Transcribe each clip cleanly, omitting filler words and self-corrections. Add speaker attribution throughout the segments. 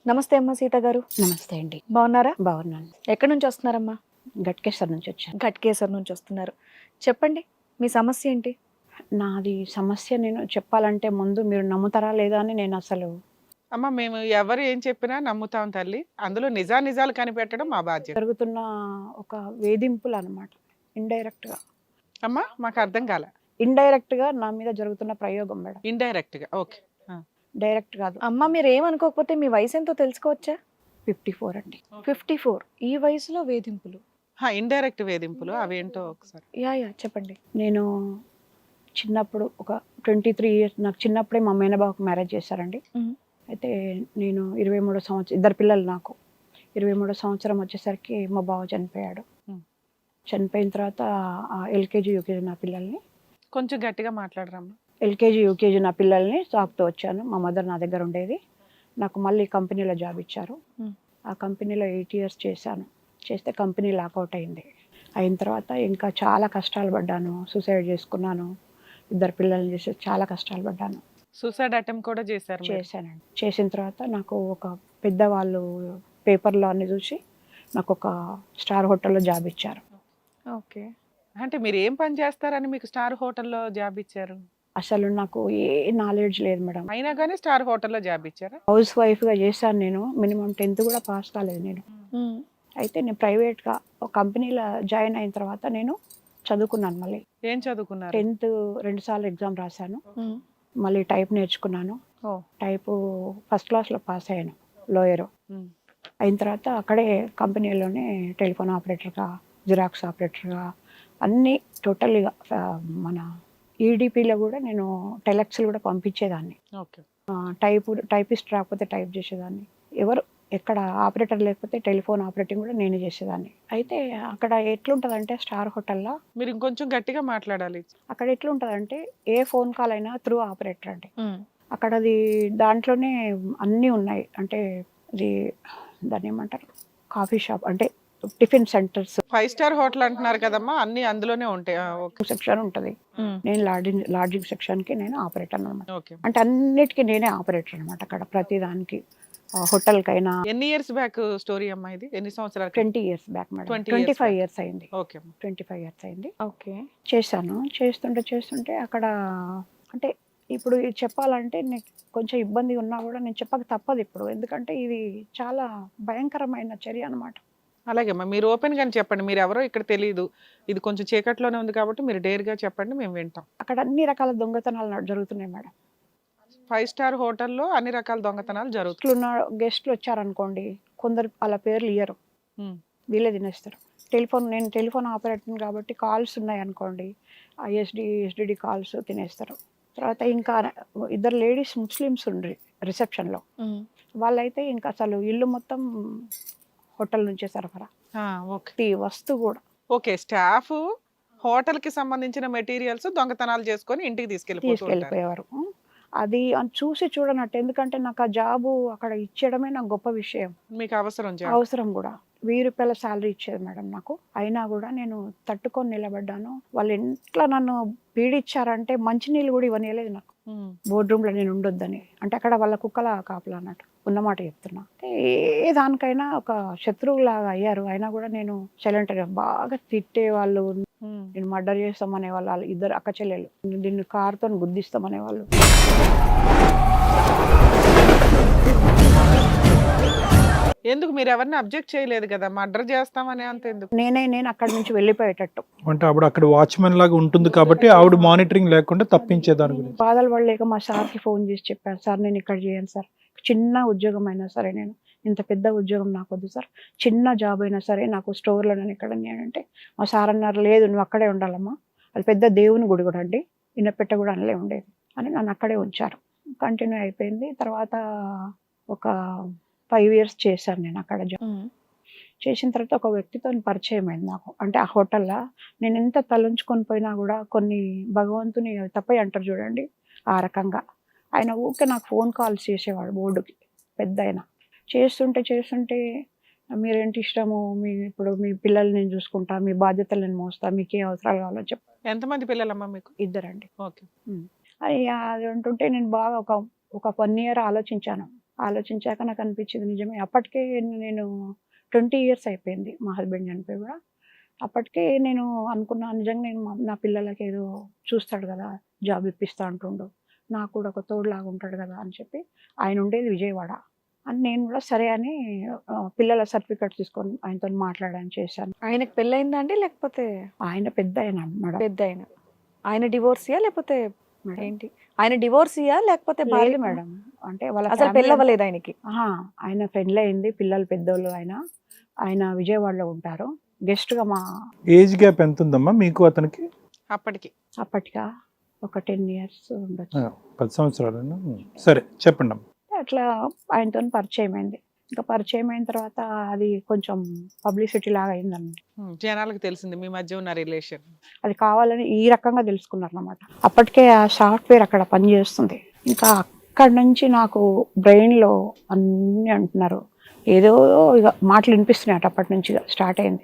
Speaker 1: నమస్తే అమ్మ సీత గారు.
Speaker 2: నమస్తే అండి.
Speaker 1: బాగున్నారా?
Speaker 2: బాగున్నాను.
Speaker 1: ఎక్కడి నుంచి వస్తున్నారమ్మా?
Speaker 2: గట్కేసర్ నుంచి వచ్చాను.
Speaker 1: ఘట్కేసర్ నుంచి వస్తున్నారు. చెప్పండి, మీ సమస్య ఏంటి?
Speaker 2: నాది సమస్య నేను చెప్పాలంటే ముందు మీరు నమ్ముతారా లేదా అని నేను అసలు
Speaker 3: అమ్మ మేము ఎవరు ఏం చెప్పినా నమ్ముతాం తల్లి. అందులో నిజాలు కనిపెట్టడం మా బాధ్యత.
Speaker 2: జరుగుతున్న ఒక వేధింపులు అనమాట. ఇండైరెక్ట్‌గా.
Speaker 3: అమ్మా మాకు అర్థం కాల.
Speaker 2: ఇండైరెక్ట్‌గా నా మీద జరుగుతున్న ప్రయోగం మేడం.
Speaker 3: ఇండైరెక్ట్ గా ఓకే.
Speaker 2: డైరెక్ట్ కాదు.
Speaker 1: అమ్మ మీరు ఏమనుకోకపోతే మీ వయసు ఎంతో తెలుసుకోవచ్చా?
Speaker 2: 54 అండి.
Speaker 1: 54. ఈ వయసులో వేధింపులు?
Speaker 3: ఇండైరెక్ట్ వేధింపులు అవేంటో ఒకసారి.
Speaker 1: యా చెప్పండి.
Speaker 2: నేను చిన్నప్పుడు ఒక 23 ఇయర్స్ నాకు చిన్నప్పుడే మా మేనబావకు మ్యారేజ్ చేశారండి.
Speaker 1: మ్మ్.
Speaker 2: అయితే నేను 23 సంవత్సరం ఇద్దరు పిల్లలు నాకు. 23 సంవత్సరం వచ్చేసరికి మా బావ చనిపోయాడు.
Speaker 3: మ్మ్.
Speaker 2: చనిపోయిన తర్వాత ఎల్కేజీ యూకేజీ నా పిల్లల్ని
Speaker 3: కొంచెం గట్టిగా మాట్లాడరమ్మా.
Speaker 2: ఎల్కేజీ యూకేజీ నా పిల్లల్ని సాకుతూ వచ్చాను. మా మదర్ నా దగ్గర ఉండేది. నాకు మళ్ళీ కంపెనీలో జాబ్ ఇచ్చారు.
Speaker 1: మ్మ్.
Speaker 2: ఆ కంపెనీలో 8 ఇయర్స్ చేశాను. చేస్తే కంపెనీ లాకౌట్ అయింది. అయిన తర్వాత ఇంకా చాలా కష్టాలు పడ్డాను. సూసైడ్ చేసుకున్నాను. ఇద్దరు పిల్లల్ని చేసి చాలా కష్టాలు పడ్డాను.
Speaker 3: సూసైడ్ అటెంప్ట్ కూడా చేశారు మీరు?
Speaker 2: చేశానండి. చేసిన తర్వాత నాకు ఒక పెద్దవాళ్ళు పేపర్లో అన్ని చూసి నాకు ఒక స్టార్ హోటల్లో జాబ్ ఇచ్చారు.
Speaker 1: ఓకే.
Speaker 3: అంటే మీరు ఏం పని చేస్తారని మీకు స్టార్ హోటల్లో జాబ్ ఇచ్చారు?
Speaker 2: అసలు నాకు ఏ నాలెడ్జ్ లేదు మేడం.
Speaker 3: అయినా కానీ స్టార్ హోటల్లో జాబ్ ఇచ్చారా?
Speaker 2: హౌస్ వైఫ్గా చేశాను నేను. మినిమం 10th కూడా పాస్ కాలేదు నేను.
Speaker 1: మ్మ్.
Speaker 2: అయితే నేను ప్రైవేట్గా ఒక కంపెనీలో జాయిన్ అయిన తర్వాత నేను చదువుకున్నాను. మళ్ళీ
Speaker 3: ఏం చదువుకున్నారు?
Speaker 2: 10th 2 సార్లు ఎగ్జామ్ రాశాను.
Speaker 1: మ్మ్.
Speaker 2: మళ్ళీ టైప్ నేర్చుకున్నాను.
Speaker 1: ఓ.
Speaker 2: టైపు ఫస్ట్ క్లాస్లో పాస్ అయ్యాను. లోయరు
Speaker 3: ఉమ్.
Speaker 2: అయిన తర్వాత అక్కడే కంపెనీలోనే టెలిఫోన్ ఆపరేటర్గా, జిరాక్స్ ఆపరేటర్గా అన్నీ టోటల్గా మన ఈడిపిలో కూడా నేను టెలెక్స్లు కూడా పంపించేదాన్ని.
Speaker 3: ఓకే.
Speaker 2: టైపిస్ట్ రాకపోతే టైప్ చేసేదాన్ని. ఎవరు ఎక్కడ ఆపరేటర్ లేకపోతే టెలిఫోన్ ఆపరేటింగ్ కూడా నేనే చేసేదాన్ని. అయితే అక్కడ ఎట్లుంటుందంటే స్టార్ హోటల్లో
Speaker 3: మీరు ఇంకొంచెం గట్టిగా మాట్లాడాలి.
Speaker 2: అక్కడ ఎట్లుంటుందంటే ఏ ఫోన్ కాల్ అయినా త్రూ ఆపరేటర్ అండి.
Speaker 1: మ్మ్.
Speaker 2: అక్కడ అది దాంట్లోనే అన్నీ ఉన్నాయి. అంటే ఇది దాన్ని ఏమంటారు, కాఫీ షాప్ అంటే టిఫిన్ సెంటర్స్
Speaker 3: 5 స్టార్ హోటల్ అంటున్నారు కదమ్మా, అన్ని అందులోనే ఉంటాయి. ఓకే.
Speaker 2: సెక్షన్ ఉంటుంది.
Speaker 1: మ్మ్.
Speaker 2: నేను లాడ్జింగ్ సెక్షన్కి నేను ఆపరేటర్ అనమాట.
Speaker 3: ఓకే.
Speaker 2: అంటే అన్నిటికీ నేనే ఆపరేటర్ అనమాట. అక్కడ ప్రతిదానికి హోటల్కైనా.
Speaker 3: ఎన్ని ఇయర్స్ బ్యాక్ స్టోరీ అమ్మా ఇది? ఎన్ని సంవత్సరాలు?
Speaker 2: 20 years back madam.
Speaker 3: 20 years
Speaker 2: 25
Speaker 3: back.
Speaker 2: Years అయింది.
Speaker 3: ఓకే అమ్మా.
Speaker 2: 25 ఇయర్స్ అయింది.
Speaker 1: ఓకే.
Speaker 2: చేశాను. చేస్తుంటే అక్కడ అంటే ఇప్పుడు ఇది చెప్పాలంటే నీకు కొంచెం ఇబ్బంది ఉన్నా కూడా నేను చెప్పక తప్పదు ఇప్పుడు. ఎందుకంటే ఇది చాలా భయంకరమైన చర్య అనమాట.
Speaker 3: అలాగే అమ్మా, మీరు ఓపెన్ గానే చెప్పండి. మీరు ఎవరో ఇక్కడ తెలియదు, ఇది కొంచెం చీకట్లోనే ఉంది కాబట్టి మీరు డేర్ గా చెప్పండి, మేము వింటాం.
Speaker 2: అక్కడ అన్ని రకాల దొంగతనాలు జరుగుతున్నాయి మేడం.
Speaker 3: 5 స్టార్ హోటల్లో అన్ని రకాల దొంగతనాలు జరుగుతాయి.
Speaker 2: ఇట్లున్న గెస్ట్లు వచ్చారనుకోండి, కొందరు అలా పేర్లు ఇయ్యరు,
Speaker 3: ఉమ్.
Speaker 2: వీళ్ళే తినేస్తారు. నేను టెలిఫోన్ ఆపరేటర్ కాబట్టి కాల్స్ ఉన్నాయి అనుకోండి, ఎస్డిడి కాల్స్ తినేస్తారు. తర్వాత ఇంకా ఇద్దరు లేడీస్ ముస్లిమ్స్ ఉండ్రి రిసెప్షన్లో.
Speaker 1: మ్మ్.
Speaker 2: వాళ్ళైతే ఇంకా అసలు ఇల్లు మొత్తం హోటల్ నుంచే సరఫరా,
Speaker 3: ఓకే.
Speaker 2: ప్రతి వస్తువు కూడా.
Speaker 3: ఓకే. స్టాఫ్ హోటల్ కి సంబంధించిన మెటీరియల్స్ దొంగతనాలు చేసుకొని ఇంటికి తీసుకెళ్ళిపోతారు.
Speaker 2: తీసుకెళ్ళిపోయేవారు. అది చూసి చూడనట్టు. ఎందుకంటే నాకు ఆ జాబు అక్కడ ఇచ్చేయడమే నాకు గొప్ప విషయం.
Speaker 3: మీకు అవసరం జాబ్.
Speaker 2: అవసరం కూడా. 1000 రూపాయల శాలరీ ఇచ్చేది మేడం నాకు. అయినా కూడా నేను తట్టుకొని నిలబడ్డాను. వాళ్ళు ఎట్లా నన్ను పీడిచ్చారంటే మంచినీళ్ళు కూడా ఇవ్వనియలేదు నాకు.
Speaker 3: ఉమ్.
Speaker 2: బోర్డ్ రూమ్లో నేను ఉండొద్దని. అంటే అక్కడ వాళ్ళ కుక్కల కాపలా అన్నట్టు. ఉన్నమాట చెప్తున్నా. ఏ దానికైనా ఒక శత్రువులాగా అయ్యారు. అయినా కూడా నేను సైలెంట్. బాగా తిట్టే వాళ్ళు,
Speaker 3: ఉమ్.
Speaker 2: నేను మర్డర్ చేస్తామనే వాళ్ళు, ఇద్దరు అక్క చెల్లెలు, దీన్ని కారుతో గుద్దిస్తామనే వాళ్ళు.
Speaker 3: ఎందుకు మీరు ఎవరిని అబ్జెక్ట్ చేయలేదు కదా? మర్డర్ చేస్తామని అంత ఎందుకు?
Speaker 2: నేను అక్కడి నుంచి వెళ్ళిపోయేటట్టు.
Speaker 4: అంటే అప్పుడు అక్కడ వాచ్మెన్ లాగా ఉంటుంది కాబట్టి ఆవిడ మానిటరింగ్ లేకుండా తప్పించే దాని గురించి.
Speaker 2: బాధలు పడలేక మా సార్కి ఫోన్ చేసి చెప్పాను, సార్ నేను ఇక్కడ చేయను సార్, చిన్న ఉద్యోగం అయినా సరే, నేను ఇంత పెద్ద ఉద్యోగం నాకు వద్దు సార్, చిన్న జాబ్ అయినా సరే నాకు స్టోర్లో నేను ఇక్కడ అంటే మా సార్ అన్నారు, లేదు నువ్వు అక్కడే ఉండాలమ్మా, అది పెద్ద దేవుని గుడి కూడా అండి, ఇన్నపెట్ట కూడా అనలే ఉండేది అని నన్ను అక్కడే ఉంచారు. కంటిన్యూ అయిపోయింది. తర్వాత ఒక 5 ఇయర్స్ చేశాను నేను అక్కడ జాబ్.
Speaker 1: మ్మ్.
Speaker 2: చేసిన తర్వాత ఒక వ్యక్తితో పరిచయం అయింది నాకు. అంటే ఆ హోటల్లో నేను ఎంత తలంచుకొని పోయినా కూడా కొన్ని భగవంతుని తప్పై అంటారు చూడండి, ఆ రకంగా ఆయన ఊరికే నాకు ఫోన్ కాల్స్ చేసేవాడు బోర్డుకి. పెద్ద ఆయన చేస్తుంటే మీరేంటి ఇష్టము, ఇప్పుడు మీ పిల్లల్ని నేను చూసుకుంటా, మీ బాధ్యతలు నేను మోస్తా, మీకు ఏ అవసరాలు కావాలో చెప్పు.
Speaker 3: ఎంతమంది పిల్లలమ్మా మీకు?
Speaker 2: 2 అండి.
Speaker 3: ఓకే.
Speaker 2: అది అంటుంటే నేను బాగా ఒక 1 ఇయర్ ఆలోచించాను. ఆలోచించాక నాకు అనిపించింది నిజమే. అప్పటికే నేను 20 ఇయర్స్ అయిపోయింది మా హస్బెండ్ చనిపోయి కూడా. అప్పటికే నేను అనుకున్నా నిజంగా నేను నా పిల్లలకి ఏదో చూస్తాడు కదా, జాబ్ ఇప్పిస్తా అంటుండు, నాకు కూడా ఒక తోడులాగా ఉంటాడు కదా అని చెప్పి. ఆయన ఉండేది విజయవాడ అని నేను కూడా సరే అని పిల్లల సర్టిఫికెట్ తీసుకొని ఆయనతో మాట్లాడాను, చేశాను.
Speaker 1: ఆయనకు పెళ్ళయిందా అండి లేకపోతే?
Speaker 2: ఆయన పెద్ద ఆయన మేడం.
Speaker 1: పెద్ద ఆయన డివోర్సియా లేకపోతే
Speaker 2: మేడం.
Speaker 1: ఏంటి? ఆయన డివోర్సియా లేకపోతే
Speaker 2: లేదు
Speaker 1: భార్య
Speaker 2: మేడం, అంటే వాళ్ళ
Speaker 1: అసలు
Speaker 2: family
Speaker 1: పెళ్ళి అవ్వలేదు ఆయనకి?
Speaker 2: ఆహా, ఆయన పెళ్ళి అయింది, పిల్లలు పెద్దోళ్ళు. ఆయన విజయవాడలో ఉంటారు గెస్ట్ గా. మా
Speaker 4: ఏజ్ గ్యాప్ ఎంత ఉందమ్మా మీకు అతనికి?
Speaker 3: అప్పటికి
Speaker 2: అప్పటిగా ఒక 10 ఇయర్స్ ఉండొచ్చు.
Speaker 4: 10 సంవత్సరాలు. సరే చెప్పండి అమ్మా.
Speaker 2: అట్లా ఆయనతో పరిచయం అయింది. ఇంకా పరిచయం అయిన తర్వాత అది కొంచెం పబ్లిసిటీ లాగా అయిందన్నమాట.
Speaker 3: జనాలకు తెలిసింది మీ మధ్య ఉన్న రిలేషన్.
Speaker 2: అది కావాలని ఈ రకంగా తెలుసుకున్నారు అన్నమాట. అప్పటికే ఆ సాఫ్ట్వేర్ అక్కడ పనిచేస్తుంది. ఇంకా అక్కడి నుంచి నాకు బ్రెయిన్లో అన్నీ అంటున్నారు, ఏదో ఇక మాటలు వినిపిస్తున్నాయి. అప్పటి నుంచి స్టార్ట్ అయింది.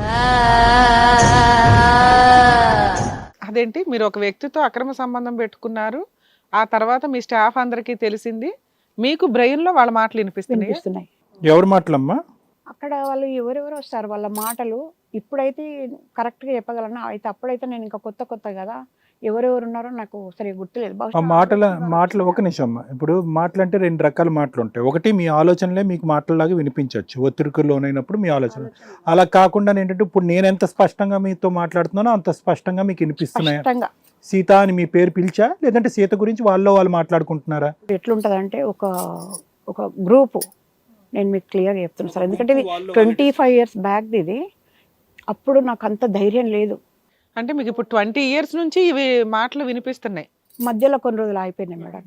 Speaker 3: అదేంటి మీరు ఒక వ్యక్తితో అక్రమ సంబంధం పెట్టుకున్నారు, ఆ తర్వాత మీ స్టాఫ్ అందరికీ తెలిసింది, మీకు బ్రెయిన్ లో వాళ్ళ మాటలు వినిపిస్తున్నాయి.
Speaker 4: ఎవరు మాటలమ్మా?
Speaker 2: అక్కడ వాళ్ళు ఎవరెవరు వస్తారు, వాళ్ళ మాటలు ఇప్పుడైతే కరెక్ట్గా చెప్పగలను. అయితే అప్పుడైతే నేను ఇంకా కొత్త కదా, ఎవరెవరు ఉన్నారో నాకు సరిగ్గా గుర్తులేదు.
Speaker 4: ఆ మాటలు ఒక నిమిషం అమ్మా. ఇప్పుడు మాటలు అంటే 2 రకాల మాటలు ఉంటాయి. ఒకటి మీ ఆలోచనలే మీకు మాటల్లాగా వినిపించవచ్చు, ఒత్తిడికి లోనైనప్పుడు మీ ఆలోచన. అలా కాకుండా ఏంటంటే ఇప్పుడు నేను ఎంత స్పష్టంగా మీతో మాట్లాడుతున్నానో అంత స్పష్టంగా మీకు వినిపిస్తున్నాయి. సీత అని మీ పేరు పిలిచా, లేదంటే సీత గురించి వాళ్ళు మాట్లాడుకుంటున్నారా?
Speaker 2: ఎట్లుంటదంటే ఒక గ్రూపు, నేను మీకు క్లియర్గా చెప్తున్నాను సార్, ఎందుకంటే ఇది 25 ఇయర్స్ బ్యాక్ ఇది. అప్పుడు నాకు అంత ధైర్యం లేదు.
Speaker 3: అంటే మీకు ఇప్పుడు 20 ఇయర్స్ నుంచి ఇవి మాటలు వినిపిస్తున్నాయి.
Speaker 2: మధ్యలో కొన్ని రోజులు అయిపోయినాయి మేడం.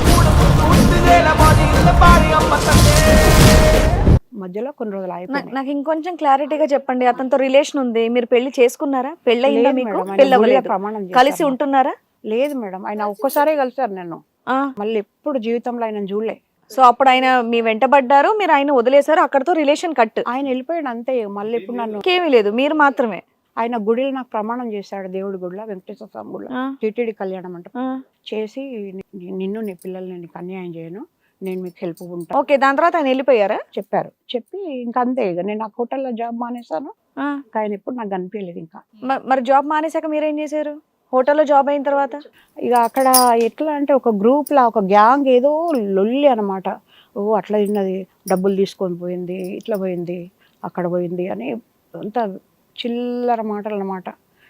Speaker 2: మధ్యలో కొన్ని రోజులు అయిపోయినాయి.
Speaker 1: నాకు ఇంకొంచెం క్లారిటీగా చెప్పండి. అతనితో రిలేషన్ ఉంది, మీరు పెళ్లి చేసుకున్నారా? పెళ్లి అయిందా
Speaker 2: లేదు
Speaker 1: మీకు?
Speaker 2: మేడం,
Speaker 1: పెళ్లి
Speaker 2: ఆయన గుడిలో
Speaker 1: అవ్వలేదు.
Speaker 2: ప్రమాణం
Speaker 1: కలిసి
Speaker 2: చేశాను.
Speaker 1: ఉంటున్నారా?
Speaker 2: లేదు మేడం, ఆయన ఒక్కసారే కలిసారు నన్ను. మళ్ళీ ఎప్పుడు జీవితంలో ఆయన చూడలే.
Speaker 1: సో అప్పుడు ఆయన మీ వెంటబడ్డారు, మీరు ఆయన వదిలేశారు, అక్కడతో రిలేషన్ కట్.
Speaker 2: ఆయన వెళ్ళిపోయాడు అంతే. మళ్ళీ ఇప్పుడు నన్ను
Speaker 1: ఇంకేమీ లేదు, మీరు మాత్రమే.
Speaker 2: ఆయన గుడిలో నాకు ప్రమాణం చేశాడు, దేవుడి గుడిలో, వెంకటేశ్వర స్వామి గుడిలో, టీటీడీ కళ్యాణం అంట చేసి, నిన్ను నీ పిల్లల్ని నీకు అన్యాయం చేయను, నేను మీకు హెల్ప్ ఉంటాను.
Speaker 1: ఓకే, దాని తర్వాత ఆయన వెళ్ళిపోయారా?
Speaker 2: చెప్పారు. చెప్పి ఇంకా అంతే. ఇక నేను ఆ హోటల్లో జాబ్ మానేశాను. ఆయన ఎప్పుడు నాకు కనిపించలేదు. ఇంకా
Speaker 1: మరి జాబ్ మానేశాక మీరేం చేశారు? హోటల్లో జాబ్ అయిన తర్వాత
Speaker 2: ఇక అక్కడ ఎట్లా అంటే ఒక గ్రూప్ లా, ఒక గ్యాంగ్ ఏదో లొల్లి అనమాట. ఓ అట్లా తిన్నది, డబ్బులు తీసుకొని పోయింది, ఇట్లా పోయింది, అక్కడ పోయింది అని అంత చిల్లర మాటలు అన్నమాట.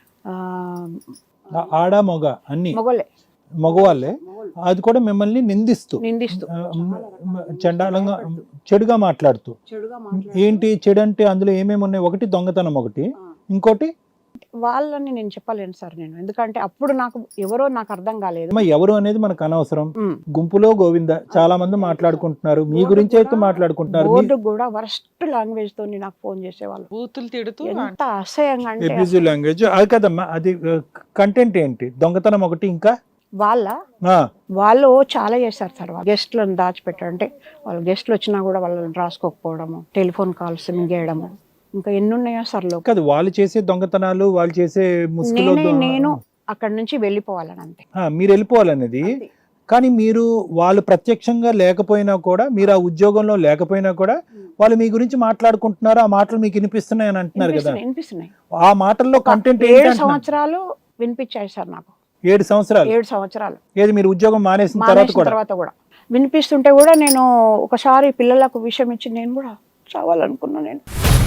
Speaker 4: ఆడ మగ అన్ని
Speaker 2: మొగలే,
Speaker 4: మగవాళ్ళే. అది కూడా మిమ్మల్ని నిందిస్తూ చండాలంగా చెడుగా మాట్లాడుతూ. ఏంటి చెడు అంటే అందులో ఏమేమి ఉన్నాయి? ఒకటి దొంగతనం, ఒకటి ఇంకోటి
Speaker 2: వాళ్ళని నేను చెప్పలేను సార్ నేను, ఎందుకంటే అప్పుడు నాకు ఎవరో నాకు అర్థం కాలేదు.
Speaker 4: ఎవరు అనేది మనకు అనవసరం. గుంపులో గోవింద చాలా మంది మాట్లాడుకుంటున్నారు, మీ గురించి అయితే మాట్లాడుకుంటున్నారు.
Speaker 2: బోర్డు కూడా వరస్ట్ లాంగ్వేజ్ తో నాకు ఫోన్ చేసేవాళ్ళు,
Speaker 3: బూతులు తిడుతూ.
Speaker 2: ఎంత అసహ్యంగా అంటే
Speaker 4: అబ్యూజివ్ లాంగ్వేజ్. అది కదమ్మా, అది కంటెంట్ ఏంటి? దొంగతనం ఒకటి, ఇంకా
Speaker 2: వాళ్ళు చాలా చేశారు సార్. గెస్ట్లను దాచిపెట్టారు, అంటే వాళ్ళు గెస్ట్లు వచ్చినా కూడా వాళ్ళని రాసుకోకపోవడము, టెలిఫోన్ కాల్స్ మింగేయడము, ఇంకా ఎన్ని ఉన్నాయో సార్.
Speaker 4: కాదు, వాళ్ళు చేసే దొంగతనాలు, వాళ్ళు చేసే ముసుగులో
Speaker 2: నేను అక్కడ నుంచి వెళ్ళిపోవాలని అంతే.
Speaker 4: మీరు వెళ్ళిపోవాలనేది. కానీ మీరు వాళ్ళు ప్రత్యక్షంగా లేకపోయినా కూడా, మీరు ఆ ఉద్యోగంలో లేకపోయినా కూడా వాళ్ళు మీ గురించి మాట్లాడుకుంటున్నారు, ఆ మాటలు మీకు వినిపిస్తున్నాయి అని అంటున్నారు కదా.
Speaker 2: వినిపిస్తున్నాయి.
Speaker 4: ఆ మాటల్లో కంటెంట్
Speaker 2: 7 సంవత్సరాలు వినిపించాయి సార్ నాకు.
Speaker 4: 7 సంవత్సరాలు?
Speaker 2: 7 సంవత్సరాలు.
Speaker 4: ఏది మీరు ఉద్యోగం మానేసిన తర్వాత కూడా
Speaker 2: వినిపిస్తుంటే కూడా నేను ఒకసారి పిల్లలకు విషయం ఇచ్చి నేను కూడా చావాలనుకున్నా. నేను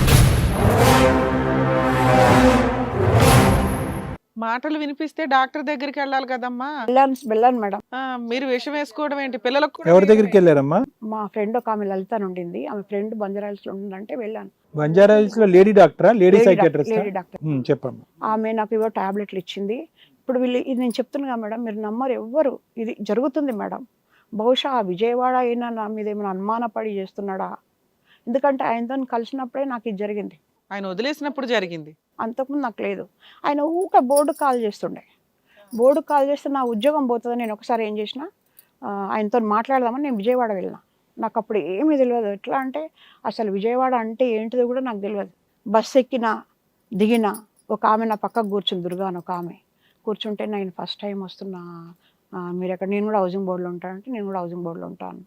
Speaker 3: మాటలు వినిపిస్తే డాక్టర్ దగ్గరికి వెళ్ళాలి కదమ్మా.
Speaker 2: వెళ్ళాను మేడం.
Speaker 3: మీరు విషం వేసుకోవడం ఏంటి? పిల్లలకు
Speaker 4: ఎవరి దగ్గరికి వెళ్ళారమ్మా?
Speaker 2: మా ఫ్రెండ్ ఒక ఆమె లలిత ఉండింది, ఆమె ఫ్రెండ్ బంజారాహిల్స్ లో ఉందంటే వెళ్ళాను.
Speaker 4: బంజారాహిల్స్ లో లేడీ డాక్టరా? Lady psychiatrist?
Speaker 2: Lady doctor.
Speaker 4: చెప్పమ్మా.
Speaker 2: ఆమె నాకు ఏవో టాబ్లెట్లు ఇచ్చింది. ఇప్పుడు వీళ్ళు, ఇది నేను చెప్తున్నా మేడం, మీరు నమ్మరు ఎవ్వరు, ఇది జరుగుతుంది మేడం. బహుశా ఆ విజయవాడ అయినా నా మీద ఏమైనా అనుమానపడి చేస్తున్నాడా, ఎందుకంటే ఆయనతో కలిసినప్పుడే నాకు ఇది జరిగింది.
Speaker 3: ఆయన వదిలేసినప్పుడు జరిగింది,
Speaker 2: అంతకుముందు నాకు లేదు. ఆయన ఊక బోర్డు కాల్ చేస్తుండే. బోర్డు కాల్ చేస్తే నా ఉద్యోగం పోతుందని నేను ఒకసారి ఏం చేసిన, ఆయనతో మాట్లాడదామని నేను విజయవాడ వెళ్ళిన. నాకు అప్పుడు ఏమీ తెలియదు. ఎట్లా అంటే అసలు విజయవాడ అంటే ఏంటిదో కూడా నాకు తెలియదు. బస్సు ఎక్కినా దిగినా ఒక ఆమె నా పక్కకు కూర్చుంది, దుర్గా అని ఒక ఆమె కూర్చుంటే, నేను ఫస్ట్ టైం వస్తున్నా, మీరు ఎక్కడ, నేను కూడా హౌసింగ్ బోర్డులో ఉంటానంటే, నేను కూడా హౌసింగ్ బోర్డులో ఉంటాను,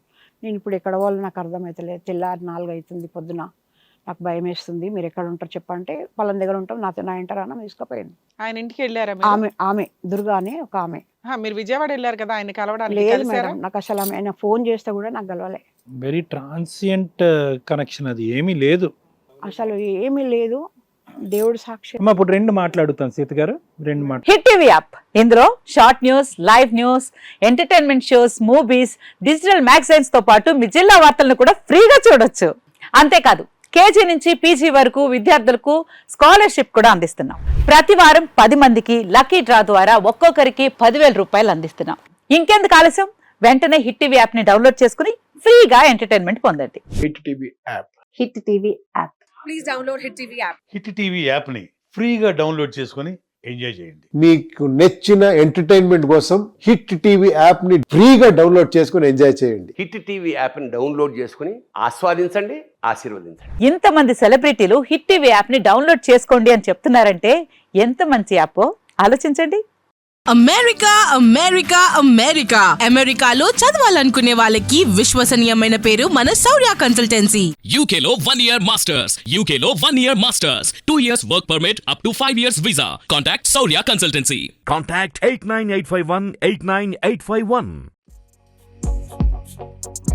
Speaker 2: నేను ఇప్పుడు ఎక్కడ వాళ్ళు నాకు అర్థమవుతలేదు, తెల్లారి 4 అవుతుంది పొద్దున, నాకు భయం వేస్తుంది, మీరు ఎక్కడ ఉంటారు చెప్పంటే వాళ్ళ దగ్గర ఉంటాం, నా ఇంటరానం తీసుకుపోయింది.
Speaker 3: ఆయన ఇంటికి వెళ్ళారా మీరు?
Speaker 2: ఆమె దుర్గా అని ఒక ఆమె.
Speaker 3: మీరు విజయవాడ వెళ్ళారు కదా ఆయన కలవడానికి,
Speaker 2: లేదు
Speaker 3: కలిసారా?
Speaker 2: మేడం, నాకు అసలు ఆమె ఆయన ఫోన్ చేస్తే కూడా నాకు కలవలే,
Speaker 4: వెరీ ట్రాన్సియంట్ కనెక్షన్, అది ఏమీ లేదు.
Speaker 2: అసలు ఏమీ లేదు, దేవుడు సాక్షి.
Speaker 4: అమ్మా ఇప్పుడు 2 మాట్లాడుతాను సీత గారు, 2 మాట.
Speaker 5: హిట్ టీవీ యాప్, ఇందులో short news, live news, entertainment shows, movies, digital magazines తో పాటు మీ జిల్లా వార్తలను కూడా ఫ్రీగా చూడొచ్చు. అంతేకాదు కేజీ నుంచి పీజీ వరకు విద్యార్థులకు స్కాలర్షిప్ కూడా అందిస్తున్నాం. ప్రతి వారం 10 మందికి లక్కీ డ్రా ద్వారా ఒక్కొక్కరికి 10,000 రూపాయలు అందిస్తున్నాం. ఇంకెందుకు ఆలస్యం, వెంటనే హిట్ టీవీ యాప్ ని డౌన్లోడ్ చేసుకుని ఫ్రీగా ఎంటర్టైన్మెంట్ పొందండి.
Speaker 6: Hit TV app.
Speaker 5: Hit TV app.
Speaker 1: Please download hit TV app.
Speaker 7: Hit TV యాప్ని ఫ్రీగా డౌన్లోడ్ చేసుకొని ఎంజాయ్ చేయండి.
Speaker 6: మీకు నచ్చిన ఎంటర్టైన్మెంట్ కోసం హిట్ టీవీ యాప్ ని ఫ్రీగా డౌన్లోడ్ చేసుకుని ఎంజాయ్ చేయండి.
Speaker 8: హిట్ టీవీ యాప్ని డౌన్లోడ్ చేసుకుని ఆస్వాదించండి, ఆశీర్వదించండి.
Speaker 5: ఇంతమంది సెలబ్రిటీలు హిట్ టీవీ యాప్ ని డౌన్లోడ్ చేసుకోండి అని చెప్తున్నారంటే ఎంత మంచి యాప్ ఆలోచించండి.
Speaker 9: అమెరికాలో చదవాలనుకునే వాళ్ళకి విశ్వసనీయమైన పేరు మన శౌర్య కన్సల్టెన్సీ.
Speaker 10: UK లో 1 year masters. UK లో 1 year masters. 2 years work permit up to 5 years visa. Contact Saurya Consultancy.
Speaker 11: Contact 89851 89851.